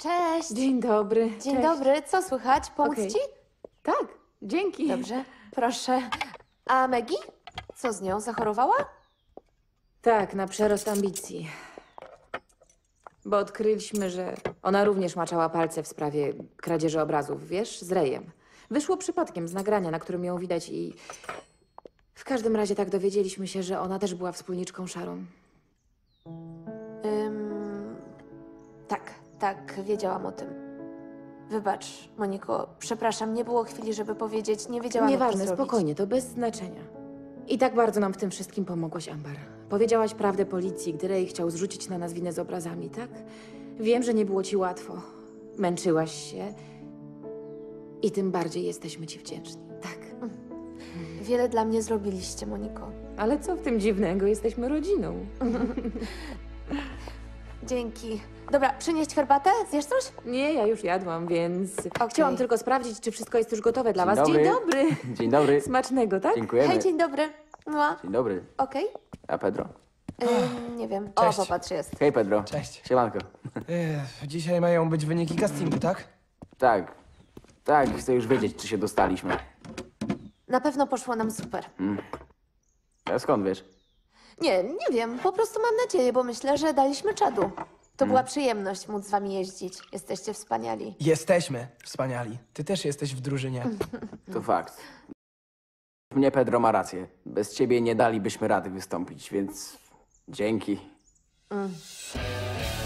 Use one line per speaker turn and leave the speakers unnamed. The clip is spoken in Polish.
Cześć.
Dzień dobry.
Dzień
Cześć.
dobry. Co słychać? Pomóc
Okej.
ci?
Tak, dzięki.
Dobrze, proszę. A Maggie? Co z nią? Zachorowała?
Tak, na przerost ambicji. Bo odkryliśmy, że ona również maczała palce w sprawie kradzieży obrazów, wiesz, z Rejem. Wyszło przypadkiem z nagrania, na którym ją widać i... W każdym razie tak dowiedzieliśmy się, że ona też była wspólniczką Sharon.
Tak, wiedziałam o tym. Wybacz, Moniko, przepraszam, nie było chwili, żeby powiedzieć, nie wiedziałam, jak to
Nieważne,
zrobić.
spokojnie, to bez znaczenia. I tak bardzo nam w tym wszystkim pomogłaś, Amber. Powiedziałaś prawdę policji, gdy Ray chciał zrzucić na nas winę z obrazami, tak? Wiem, że nie było ci łatwo. Męczyłaś się. I tym bardziej jesteśmy ci wdzięczni, tak?
Wiele dla mnie zrobiliście, Moniko.
Ale co w tym dziwnego? Jesteśmy rodziną.
Dzięki. Dobra, przynieść herbatę? Zjesz coś?
Nie, ja już jadłam, więc chciałam tylko sprawdzić, czy wszystko jest już gotowe dla was.
dobry.
Dzień dobry.
Dzień dobry.
Smacznego, tak?
Dziękujemy.
Hej, dzień dobry. No,
Dzień dobry.
okej.
A Pedro?
Nie wiem.
Cześć.
O, popatrz, jest.
Hej, Pedro.
Cześć.
Siemanko.
Dzisiaj mają być wyniki castingu, tak?
Tak. Tak, chcę już wiedzieć, czy się dostaliśmy.
Na pewno poszło nam super.
A skąd wiesz?
Nie wiem. Po prostu mam nadzieję, bo myślę, że daliśmy czadu. To była przyjemność móc z wami jeździć. Jesteście wspaniali.
Jesteśmy wspaniali. Ty też jesteś w drużynie.
To fakt. Mnie Pedro ma rację. Bez ciebie nie dalibyśmy rady wystąpić, więc dzięki.